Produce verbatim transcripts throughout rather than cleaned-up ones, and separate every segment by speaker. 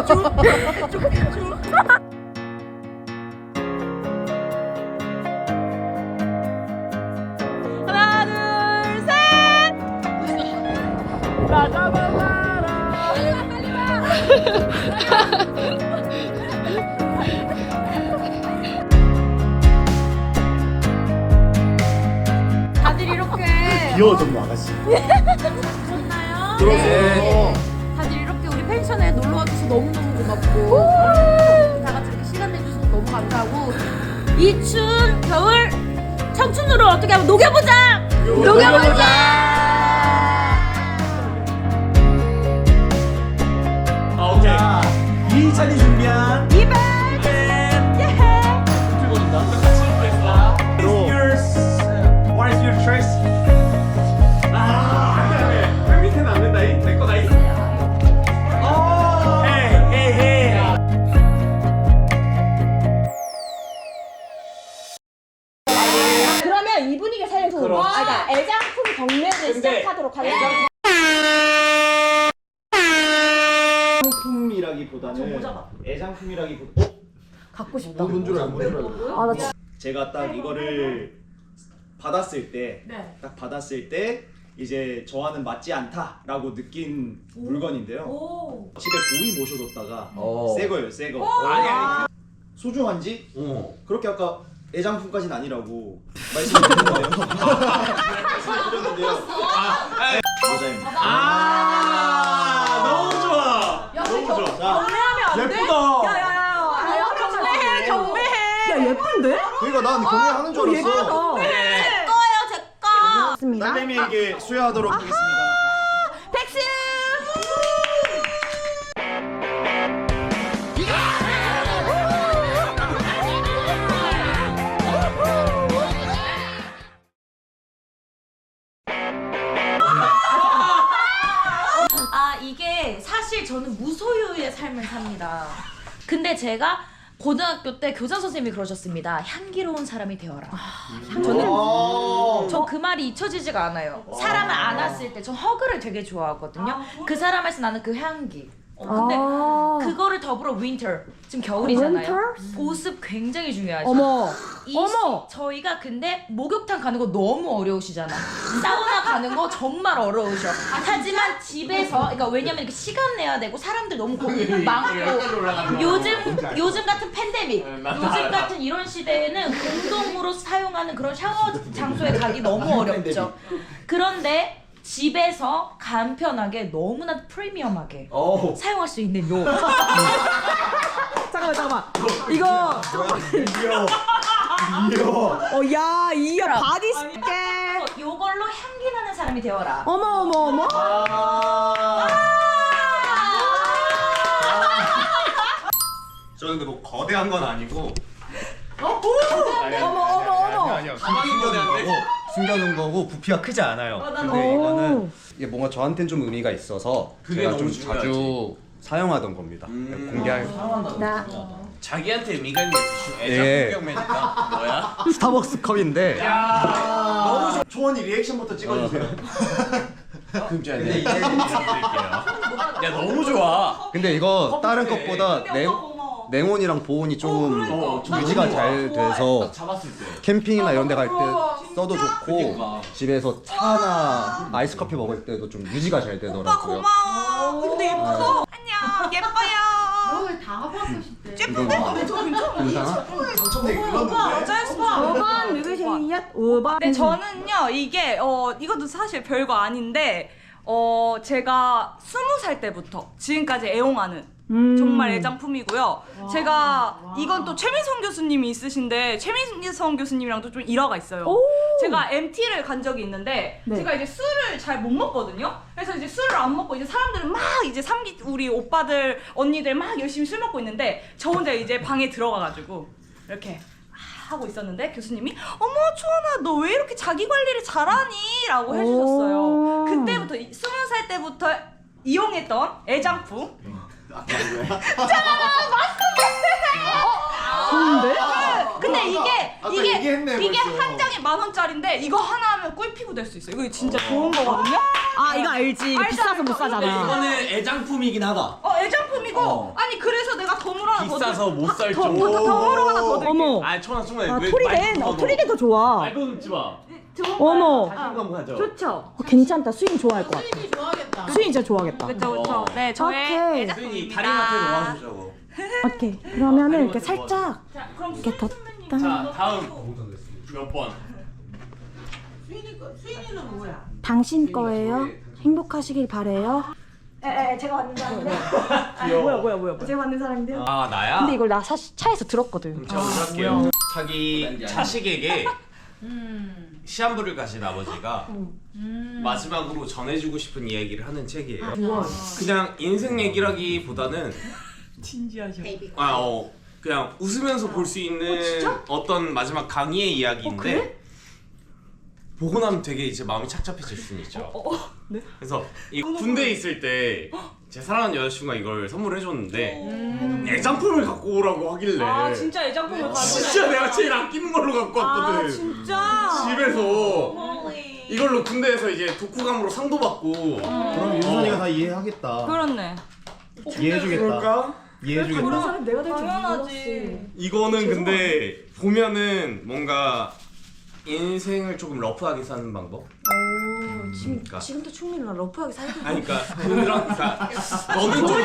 Speaker 1: 하나 둘 셋. 나 잡아봐라. 빨리 와 빨리 와. 다들 이렇게
Speaker 2: 귀여워 정말 아가씨.
Speaker 1: 보셨나요?
Speaker 2: 그러세요.
Speaker 1: 다들 이렇게 우리 펜션에 놀러 와줘서 너무너무 고맙고 다 같이 이렇게 시간 내주셔서 너무 감사하고 이 추운 겨울 청춘으로 어떻게 하면 녹여보자! 녹여보자!
Speaker 2: 아 오케이. 이찬이 준비한
Speaker 1: 이벤트!
Speaker 2: What is your choice? 아, 왜 밑에는 안 된다이? 내 거다이? 어, 헤이, 헤이, 헤이.
Speaker 3: 그러면 이 분위기 살려서
Speaker 2: 그럼.
Speaker 3: 아, 그러니까 애장품 경매를 시작하도록 하겠습니다.
Speaker 2: 애장품이라기보다는 애장품이라기보다 어?
Speaker 3: 갖고 싶다.
Speaker 2: 뭔줄 알고 뭔줄 알고
Speaker 3: 아, 나 진짜.
Speaker 2: 제가 딱 이거를 받았을 때 딱
Speaker 1: 네.
Speaker 2: 받았을 때 이제 저와는 맞지 않다라고 느낀 물건인데요.
Speaker 1: 오.
Speaker 2: 집에 고이 모셔뒀다가
Speaker 4: 어.
Speaker 2: 새 거예요, 새 거.
Speaker 4: 아니 아니.
Speaker 2: 소중한지
Speaker 4: 어.
Speaker 2: 그렇게 아까 애장품까지는 아니라고 말씀드렸는데요. 말씀드렸는데요. 여자입니다.
Speaker 4: 아 너무 좋아.
Speaker 2: 너무 좋아. 자,
Speaker 1: 경매하면 안 돼?
Speaker 4: 예쁘다.
Speaker 1: 야야야. 경매해 경매해.
Speaker 3: 야, 예쁜데?
Speaker 2: 그러니까 난 경매하는 줄 알았어.
Speaker 1: 제 거예요 제 거.
Speaker 3: 맞습니다.
Speaker 2: 딸내미에게 수여하도록 하겠습니다.
Speaker 1: 백신. 아 이게 사실 저는 무소유의 삶을 삽니다. 근데 제가 고등학교 때 교장 선생님이 그러셨습니다. 향기로운 사람이 되어라. 저는 전 그 말이 잊혀지지가 않아요. 사람을 안았을 때 전 허그를 되게 좋아하거든요. 그 사람에서 나는 그 향기. 어, 근데
Speaker 3: 아.
Speaker 1: 그거를 더불어 윈터 지금 겨울이잖아요.
Speaker 3: 윈터?
Speaker 1: 보습 굉장히 중요하죠.
Speaker 3: 어머.
Speaker 1: 이
Speaker 3: 어머.
Speaker 1: 시, 저희가 근데 목욕탕 가는 거 너무 어려우시잖아. 사우나 가는 거 정말 어려우셔. 하지만 집에서 그러니까 왜냐면 이렇게 시간 내야 되고 사람들 너무 거기 많고 요즘 요즘 같은 팬데믹 요즘 같은 이런 시대에는 공동으로 사용하는 그런 샤워 장소에 가기 너무 어렵죠. 그런데 집에서 간편하게 너무나 프리미엄하게
Speaker 4: 어.
Speaker 1: 사용할 수 있는 요
Speaker 3: 잠깐만, 잠깐만. 이거.
Speaker 2: 귀여워. 귀여워.
Speaker 3: 어, 야, 이 바디 스캔.
Speaker 1: 요걸로 향기 나는 사람이 되어라.
Speaker 3: 어머, 어머, 어머.
Speaker 4: 저는 근데 뭐 거대한 건 아니고.
Speaker 3: 어머, 어머, 어머.
Speaker 4: 아니요. 숨겨놓은 거고 숨겨놓은 거고 부피가 크지 않아요. 근데 이거는 이게 뭔가 저한테는 좀 의미가 있어서 제가 좀 자주 사용하던 겁니다. 공개할.
Speaker 3: 나.
Speaker 5: 자기한테 의미가 있는
Speaker 4: 예.
Speaker 5: 애장 경매니까 뭐야?
Speaker 4: 스타벅스 컵인데.
Speaker 2: 너무 좋아. 초원이 리액션부터 찍어주세요.
Speaker 5: 금지야 네. 야 너무 좋아.
Speaker 4: 근데 이거 다른 것보다 냉 냉온이랑 보온이 조금 유지가 잘 돼서
Speaker 5: 잡았을 때.
Speaker 4: 캠핑이나 이런 데 갈 때 써도 좋고 집에서 차나 아이스 커피 먹을 때도 좀 유지가 잘 되더라고요.
Speaker 1: 근데 예쁘다. 안녕. 예뻐요.
Speaker 4: 예쁜데? 괜찮아?
Speaker 2: 당첨되기 눌렀는데.
Speaker 3: 오 번 누구세요? 오 번.
Speaker 6: 네, 저는요, 이게, 어, 이것도 사실 별거 아닌데, 어, 제가 스무 살 때부터 지금까지 애용하는
Speaker 3: 음.
Speaker 6: 정말 애장품이고요. 제가, 이건 또 최민성 교수님이 있으신데, 최민성 교수님이랑도 좀 일화가 있어요.
Speaker 3: 오.
Speaker 6: 제가 엠티를 간 적이 있는데,
Speaker 3: 네.
Speaker 6: 제가 이제 술을 잘 못 먹거든요? 그래서 이제 술을 안 먹고, 이제 사람들은 막 이제 삼기, 우리 오빠들, 언니들 막 열심히 술 먹고 있는데, 저 혼자 이제 방에 들어가가지고, 이렇게. 하고 있었는데 교수님이 어머 초원아 너 왜 이렇게 자기 관리를 잘하니? 라고 해주셨어요.
Speaker 3: 오.
Speaker 6: 그때부터 이- 스무 살 때부터 이용했던 애장품
Speaker 3: 좋은데?
Speaker 6: 근데 근데 이게
Speaker 2: 아까
Speaker 6: 이게
Speaker 2: 얘기했네,
Speaker 6: 이게
Speaker 2: 벌써.
Speaker 6: 한 장에 만 원짜리인데 이거 하나 하면 꿀피부 될 수 있어. 이거 진짜 좋은 거거든요.
Speaker 3: 아 이거 알지. 이거
Speaker 6: 알죠,
Speaker 3: 비싸서 못
Speaker 6: 알죠.
Speaker 3: 사잖아.
Speaker 5: 이거는 애장품이긴 하다.
Speaker 6: 어 애장품이고
Speaker 5: 어.
Speaker 6: 아니 그래서 내가 덤으로 하나 더
Speaker 5: 비싸서 못 살
Speaker 6: 더-
Speaker 5: 정도.
Speaker 6: 더- 덤으로 하나 더 드릴게요.
Speaker 3: 어머.
Speaker 5: 아 천원 충분해.
Speaker 3: 아
Speaker 5: 왜
Speaker 3: 토리덴.
Speaker 5: 말도
Speaker 3: 어
Speaker 5: 안
Speaker 3: 토리덴 더 좋아.
Speaker 5: 말도 듣지 마.
Speaker 3: 어머.
Speaker 5: 자신감 가져.
Speaker 6: 좋죠.
Speaker 3: 어, 괜찮다. 수인 좋아할 것 같아.
Speaker 7: 수인이 좋아하겠다.
Speaker 3: 수인 진짜 좋아하겠다.
Speaker 6: 그렇죠 그렇죠.
Speaker 5: 어.
Speaker 6: 네 저의
Speaker 3: 오케이.
Speaker 5: 수인이
Speaker 6: 애장품입니다.
Speaker 5: 다리 밑에 놓아줘 저거.
Speaker 3: 오케이. 그러면은 이렇게 살짝
Speaker 6: 자 그럼
Speaker 3: 이렇게
Speaker 6: 수인
Speaker 3: 덧다.
Speaker 5: 자 다음 몇 번?
Speaker 7: 수인이 거, 수인이는 뭐야?
Speaker 3: 당신 거예요. 행복하시길 바래요. 에에 제가 받는 사람인데.
Speaker 6: 뭐야 뭐야 뭐야 뭐야.
Speaker 3: 제가 받는 사람인데요.
Speaker 5: 아 나야?
Speaker 3: 근데 이걸 나 사실 차에서 들었거든.
Speaker 5: 제가 먼저 할게요. 자기 자식에게 시한부를 가신 아버지가 마지막으로 전해주고 싶은 이야기를 하는 책이에요. 그냥 인생 얘기라기보다는
Speaker 6: 진지하셔.
Speaker 5: 아, 어, 그냥 웃으면서 볼 수 있는 어떤 마지막 강의의 이야기인데 보고 나면 되게 이제 마음이 착잡해질 수는 있죠. 그래서 이 군대에 있을 때 제 사랑하는 여자친구가 이걸 선물을 해줬는데 애장품을 갖고 오라고 하길래
Speaker 6: 아 진짜 애장품을 가지고.
Speaker 5: 진짜 내가 제일 아끼는 걸로 갖고 왔거든.
Speaker 6: 아 진짜.
Speaker 5: 집에서 이걸로 군대에서 이제 독후감으로 상도 받고.
Speaker 2: 그럼 윤선이가 다 이해하겠다.
Speaker 6: 그렇네.
Speaker 2: 이해해주겠다.
Speaker 5: 그럴까?
Speaker 2: 이해해주겠다.
Speaker 3: 사람 내가 될줄
Speaker 6: 당연하지.
Speaker 5: 이거는 근데 보면은 뭔가 인생을 조금 러프하게 사는 방법?
Speaker 3: 오, 지금
Speaker 5: 그러니까.
Speaker 3: 지금도 충분히 러프하게 살고.
Speaker 5: 아니 그러니까 그런 그러니까 너는 좀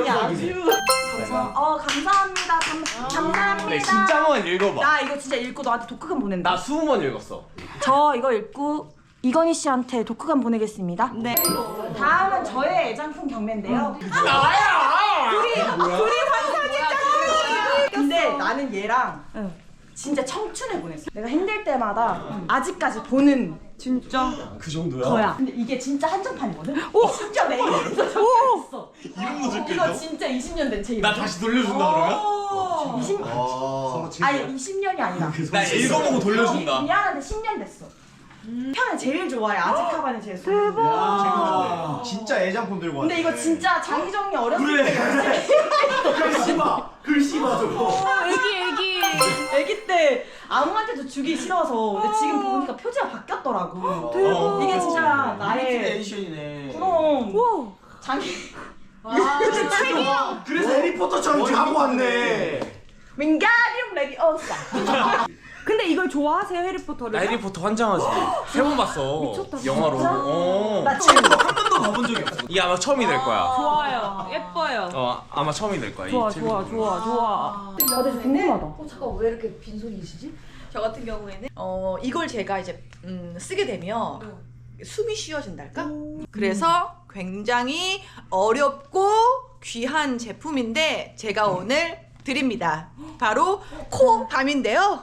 Speaker 3: 감사. 어 감사합니다. 감, 감사합니다.
Speaker 5: 네, 진짜 한번 읽어봐.
Speaker 3: 나 이거 진짜 읽고 너한테 독후감 보낸다.
Speaker 5: 나 스무 번 읽었어.
Speaker 3: 저 이거 읽고 이건희 씨한테 독후감 보내겠습니다. 네. 다음은 저의 애장품 경매인데요.
Speaker 5: 나야!
Speaker 3: 둘이 둘이 환상이 짝꿍이. 근데 나는 얘랑 진짜 청춘을 보냈어. 내가 힘들 때마다 아직까지 보는
Speaker 6: 진짜.
Speaker 5: 그 정도야?
Speaker 3: 거야. 근데 이게 진짜 한정판이거든. 오, 진짜 내 이름도 적혀있어.
Speaker 5: 이름도 적혀있어?
Speaker 3: 이거 진짜 이십 년 된 책.
Speaker 5: 나 다시 돌려준다 그러면?
Speaker 3: 이십
Speaker 2: 아,
Speaker 3: 아니 이십 년이 아니라.
Speaker 5: 나 읽어보고 돌려준다.
Speaker 3: 미안한데 십 년 됐어. 편을 제일 좋아해. 아즈카반이 제일 좋아.
Speaker 2: 아, 진짜 애장품 들고 왔네.
Speaker 3: 근데 이거 진짜 자기 정리 어렸을
Speaker 5: 그래.
Speaker 3: 때 열심히
Speaker 2: 글씨 봐. 글씨 봐 저거.
Speaker 6: 애기 애기.
Speaker 3: 아기 때 아무한테도 주기 싫어서 근데 지금 보니까 표지가 바뀌었더라고.
Speaker 5: 대박.
Speaker 3: 이게 진짜 나의
Speaker 5: 에디션이네.
Speaker 3: 그럼 자기
Speaker 7: 근데 책이야.
Speaker 2: 그래서 해리포터처럼 지금 하고 왔네.
Speaker 3: 윙가리움 레비오사.
Speaker 6: 근데 이걸 좋아하세요 해리포터를?
Speaker 5: 나 해리포터 환장하지. 세 번 봤어.
Speaker 3: 미쳤다,
Speaker 5: 영화로.
Speaker 3: 진짜?
Speaker 5: 어.
Speaker 3: 나 지금
Speaker 5: 한 번도 가본 적이 없어. 이게 아마 처음이 될 거야.
Speaker 6: 좋아요. 예뻐요.
Speaker 5: 어 아마 처음이 될 거야.
Speaker 6: 좋아
Speaker 5: 이 책을
Speaker 6: 좋아
Speaker 5: 보면.
Speaker 6: 좋아 좋아.
Speaker 3: 나도 좀 궁금하다.
Speaker 1: 어, 잠깐 왜 이렇게 빈손이시지? 저 같은 경우에는 어 이걸 제가 이제 음, 쓰게 되면 숨이 쉬어진달까? 그래서 굉장히 어렵고 귀한 제품인데 제가 오늘 드립니다. 바로 코밤인데요.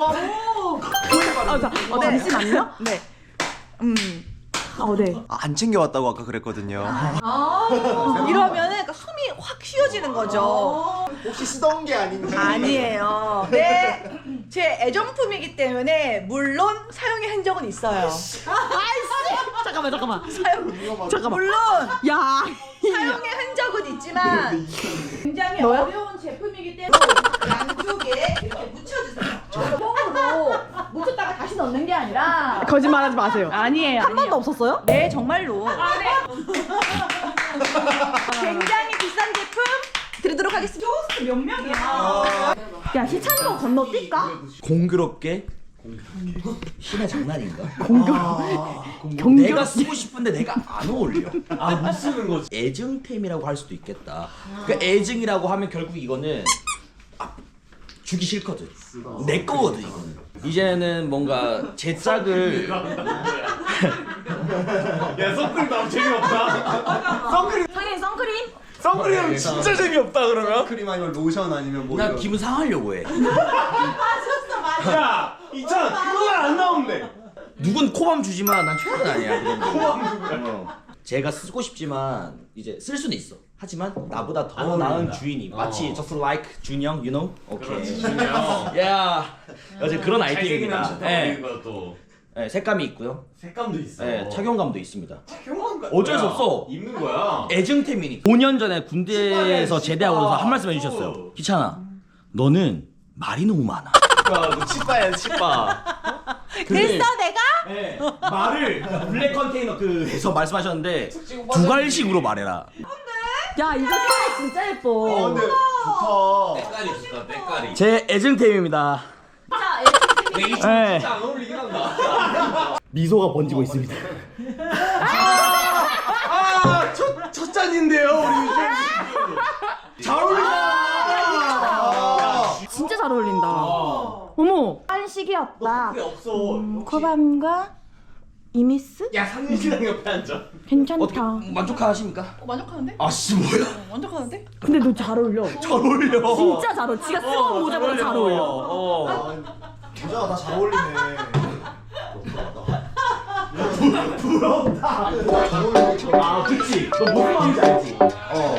Speaker 3: 아, 자, 어, 잠시만요.
Speaker 1: 네. 음.
Speaker 3: 어, 네.
Speaker 2: 안 챙겨왔다고 아까 그랬거든요.
Speaker 1: 이러면은 그 숨이 확 쉬어지는 거죠.
Speaker 2: 혹시 쓰던 게 아닌지.
Speaker 1: 아니에요. 네, 제 애정품이기 때문에 물론 사용의 흔적은 있어요.
Speaker 3: 잠깐만, 잠깐만.
Speaker 1: 사용,
Speaker 3: 잠깐만.
Speaker 1: 물론
Speaker 3: 야.
Speaker 1: 사용의 흔적은 있지만 굉장히 어려운 제품이기 때문에 양쪽에 이렇게 묻혀주세요. 폼으로 묻혔다가 다시 넣는 게 아니라
Speaker 3: 거짓말하지 마세요.
Speaker 1: 아니에요.
Speaker 3: 한 번도 없었어요?
Speaker 1: 네, 정말로
Speaker 6: 아 네.
Speaker 1: 굉장히 비싼 제품 드리도록 하겠습니다.
Speaker 6: 몇 명이야?
Speaker 3: 야, 희찬이가 건너뛸까?
Speaker 8: 공교롭게 신의 장난인가?
Speaker 3: 공교롭게.
Speaker 8: 내가 쓰고 싶은데 내가 안 어울려.
Speaker 5: 아 못 쓰는 거지.
Speaker 8: 애증템이라고 할 수도 있겠다. 그 애증이라고 하면 결국 이거는 아, 주기 싫거든. 내 거거든 이거는. 이제는 뭔가 제 짝을
Speaker 5: 야 선크림 너무 재미없다. 선크림
Speaker 3: 선생님 선크림?
Speaker 5: 선크림 진짜 재미없다 그러면?
Speaker 2: 크림 아니면 로션 아니면 뭐
Speaker 8: 나
Speaker 2: 이런.
Speaker 8: 기분 상하려고 해.
Speaker 5: 야 이찬 그건 안 나온대.
Speaker 8: 누군 코밤 주지만 난 최악은 아니야. 어. 제가 쓰고 싶지만 이제 쓸 수는 있어. 하지만 나보다 더 나은 주인이 마치 just like 준영, you know? 오케이.
Speaker 5: 준영.
Speaker 8: 야, 어제 그런
Speaker 5: 잘생긴
Speaker 8: 아이템입니다.
Speaker 5: 남자
Speaker 8: 예,
Speaker 5: 거 또.
Speaker 8: 예, 색감이 있고요.
Speaker 5: 색감도 있어.
Speaker 8: 예, 착용감도 있습니다.
Speaker 5: 착용감
Speaker 8: 어쩔 수 없어.
Speaker 5: 입는 거야.
Speaker 8: 애증템이니까. 오 년 전에 군대에서
Speaker 5: 신발이야,
Speaker 8: 제대하고 나서
Speaker 5: 신발.
Speaker 8: 한 말씀 해주셨어요. 희찬아, 너는 말이 너무 많아. 너 치빠야 치빠.
Speaker 7: 됐어 내가?
Speaker 8: 네, 말을 블랙 컨테이너 그에서 말씀하셨는데 두 갈식으로 말해라.
Speaker 3: 야 이거 색깔 진짜 예뻐.
Speaker 2: 어 근데 좋다.
Speaker 5: 때깔이 좋다 때깔이.
Speaker 8: 제 애증템입니다.
Speaker 1: 자,
Speaker 5: 근데 이
Speaker 8: 네.
Speaker 5: 진짜 안 어울리긴 한다.
Speaker 8: 미소가 번지고 있습니다.
Speaker 5: 아, 첫, 첫 잔인데요, 우리 잘 어울린다.
Speaker 3: 진짜 잘 어울린다. 어머. 한식이었다.
Speaker 5: 그게 없어.
Speaker 3: 음, 코밤과 이미스?
Speaker 5: 야, 상민이랑 옆에 앉아.
Speaker 3: 괜찮다.
Speaker 8: 어떻게 만족하십니까?
Speaker 6: 어, 만족하는데?
Speaker 8: 아씨 뭐야?
Speaker 6: 어, 만족하는데?
Speaker 3: 근데 너 잘 어울려.
Speaker 8: 잘 어울려.
Speaker 3: 진짜 잘 어울려. 지가 쓰고 모자보다 잘 어울려.
Speaker 8: 어.
Speaker 2: 모자가 다 잘 어울리네.
Speaker 8: 아, 그치. 너 무슨 마음인지 알지? 어.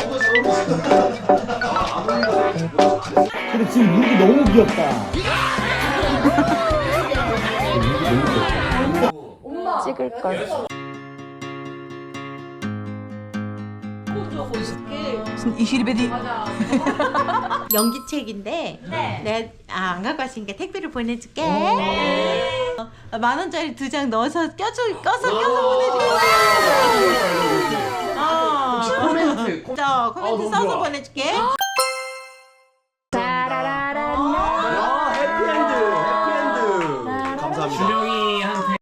Speaker 8: 근데 지금 무기 너무 귀엽다.
Speaker 3: 찍을 걸.
Speaker 6: 이시리베디.
Speaker 7: 연기책인데
Speaker 1: 네.
Speaker 7: 내가 아, 안 갖고 왔으니까 택배를 보내줄게. 네. 어, 만 원짜리 두 장 넣어서 껴줘 껴서 껴서 보내줄게. 어.
Speaker 5: 코멘트.
Speaker 7: 저 코멘트 써서 보내줄게.
Speaker 8: 아, 해피엔드. 해피엔드. 감사합니다.
Speaker 5: 준영이한테.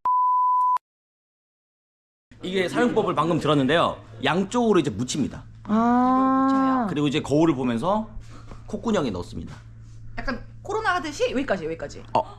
Speaker 8: 이게 사용법을 방금 들었는데요. 양쪽으로 이제 묻힙니다.
Speaker 3: 아.
Speaker 8: 그리고 이제 거울을 보면서 콧구멍에 넣습니다.
Speaker 6: 약간 코로나 하듯이 여기까지 여기까지.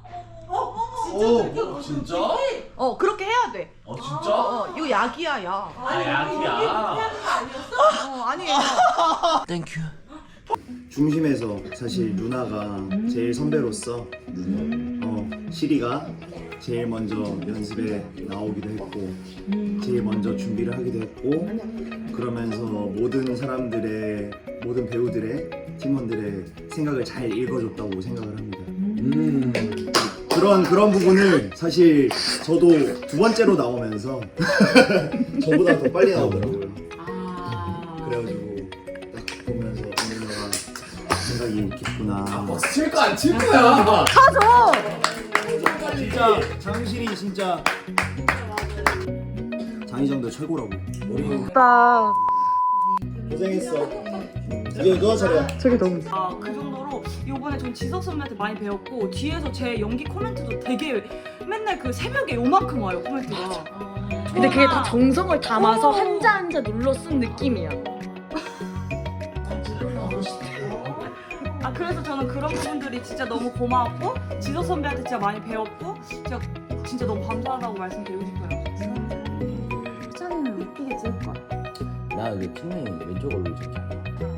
Speaker 5: 오, 진짜?
Speaker 6: 어 그렇게 해야 돼.
Speaker 5: 어, 진짜?
Speaker 6: 어 이거 약이야 약.
Speaker 5: 아, 약이야.
Speaker 6: 어 아니에요.
Speaker 8: 땡큐.
Speaker 2: 중심에서 사실 누나가 제일 선배로서 어, 시리가 제일 먼저 연습에 나오기도 했고 제일 먼저 준비를 하기도 했고 그러면서 모든 사람들의 모든 배우들의 팀원들의 생각을 잘 읽어줬다고 생각을 합니다.
Speaker 8: 음.
Speaker 2: 그런 그런 부분을 사실 저도 두 번째로 나오면서 저보다 더 빨리 나오더라고요. 그래가지고 딱 보면서 누나가 생각이 깊구나.
Speaker 5: 박수 칠 거 안 칠 거야.
Speaker 2: 진짜 장실이 진짜 장희정도 최고라고.
Speaker 3: 나
Speaker 2: 고생했어. 이제 누가 차례야.
Speaker 3: 저게 너무.
Speaker 6: 아, 그 정도로 이번에 전 지석 선배한테 많이 배웠고 뒤에서 제 연기 코멘트도 되게 맨날 그 새벽에 요만큼 와요 코멘트가.
Speaker 3: 근데 그게 다 정성을 담아서 한자 한자 눌러 쓴 느낌이야.
Speaker 6: 아 그래서 저는 그런 부분들이 진짜 너무 고마웠고 지석 선배한테 진짜 많이 배웠고 진짜 진짜 너무 감사하다고 말씀드리고 싶어요.
Speaker 3: 수찬이는 예쁘게 찍을 거야.
Speaker 8: 나 여기 핑맨 왼쪽 얼굴 좀 잘.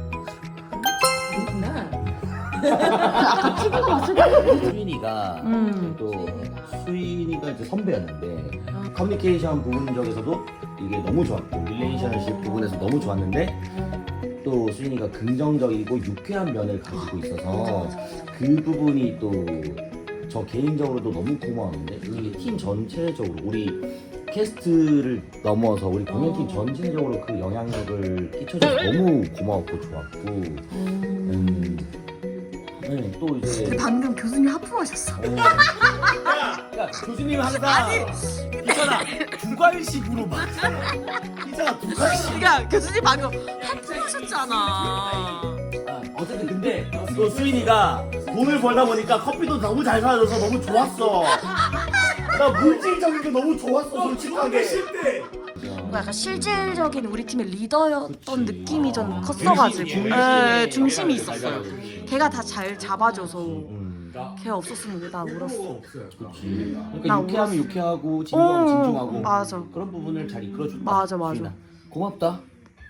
Speaker 3: 아까 찍은 거 봤을 때.
Speaker 8: 수인이가
Speaker 3: 음.
Speaker 8: 또 수인이가 이제 선배였는데 커뮤니케이션 부분적에서도 이게 너무 좋았고 릴레이션십 부분에서 너무 좋았는데 또 수인이가 긍정적이고 유쾌한 면을 가지고 있어서 그 부분이 또 저 개인적으로도 너무 고마웠는데 이게 팀 전체적으로 우리 캐스트를 넘어서 우리 공연팀 전체적으로 그 영향력을 끼쳐줘서 너무 고마웠고 좋았고 음, 네, 또 이제
Speaker 3: 방금 교수님 하품하셨어.
Speaker 8: 어. 야, 교수님 항상 있잖아 두 갈식으로 막 있잖아 두 갈식.
Speaker 3: 야 교수님 방금 하품하셨잖아.
Speaker 8: 아, 어쨌든 근데 또 수인이가 돈을 벌다 보니까 커피도 너무 잘 사줘서 너무 좋았어. 나 물질적인 게 너무 좋았어 솔직하게.
Speaker 3: 뭔가 약간 실질적인 우리 팀의 리더였던 느낌이 좀 컸어가지고 에, 중심이 있었어요. 걔가 다 잘 잡아줘서
Speaker 8: 음.
Speaker 3: 걔 없었으면 나 울었어.
Speaker 8: 그러니까
Speaker 3: 나
Speaker 8: 유쾌하면
Speaker 3: 울었어.
Speaker 8: 유쾌하고 진중하면
Speaker 3: 어,
Speaker 8: 진중하고
Speaker 3: 맞아.
Speaker 8: 그런 부분을 잘 이끌어준다.
Speaker 3: 맞아, 맞아.
Speaker 8: 수인아. 고맙다.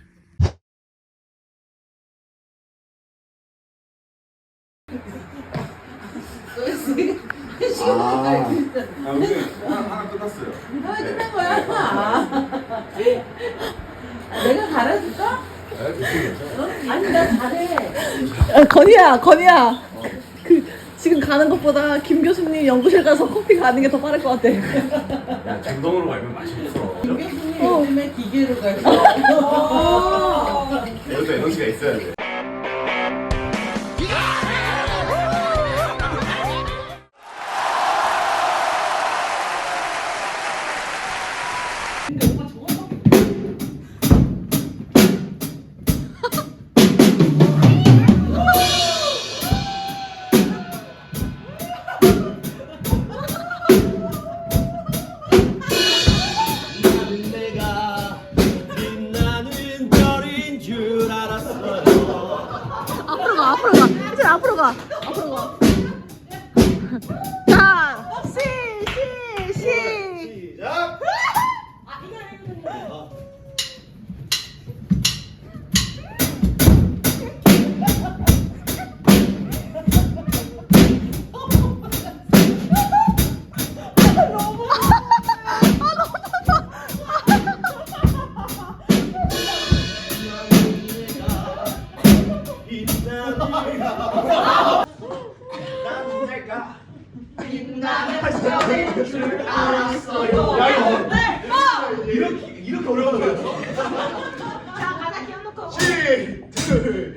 Speaker 5: 아, 오늘 하나 끝났어요.
Speaker 7: 끝난 거야? 내가 갈아줄까? 아니 나 잘해.
Speaker 9: 건이야, 건이야. 그 지금 가는 것보다 김 교수님 연구실 가서 커피 가는 게 더 빠를 것 같아.
Speaker 5: 야, 정동으로 가면 맛이 없어.
Speaker 7: 교수님 요즘에 기계로 가서.
Speaker 5: 이것도 에너지가 있어야 돼.
Speaker 3: 된 줄 알았어요.
Speaker 2: 야 이거 이렇게 이렇게 어려운 거였어?
Speaker 3: 자, 가사 기억놓고.
Speaker 2: 시, 둘,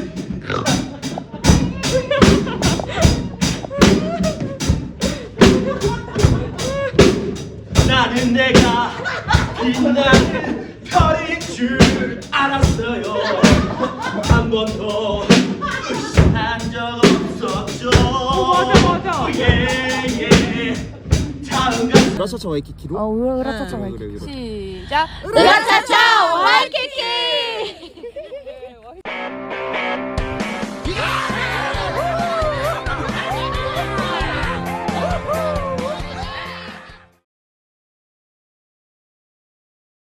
Speaker 2: 나는 내가 빛나는 별인 줄 알았어요. 한 번도 의심한 적 없었죠.
Speaker 6: 맞아, 맞아.
Speaker 2: 예, 예. 다음 가
Speaker 8: 브라차차 와이키키로?
Speaker 1: 어, 으라차차
Speaker 8: 그래, 그래, 그래.
Speaker 1: 시작. 으라차차 와이키키.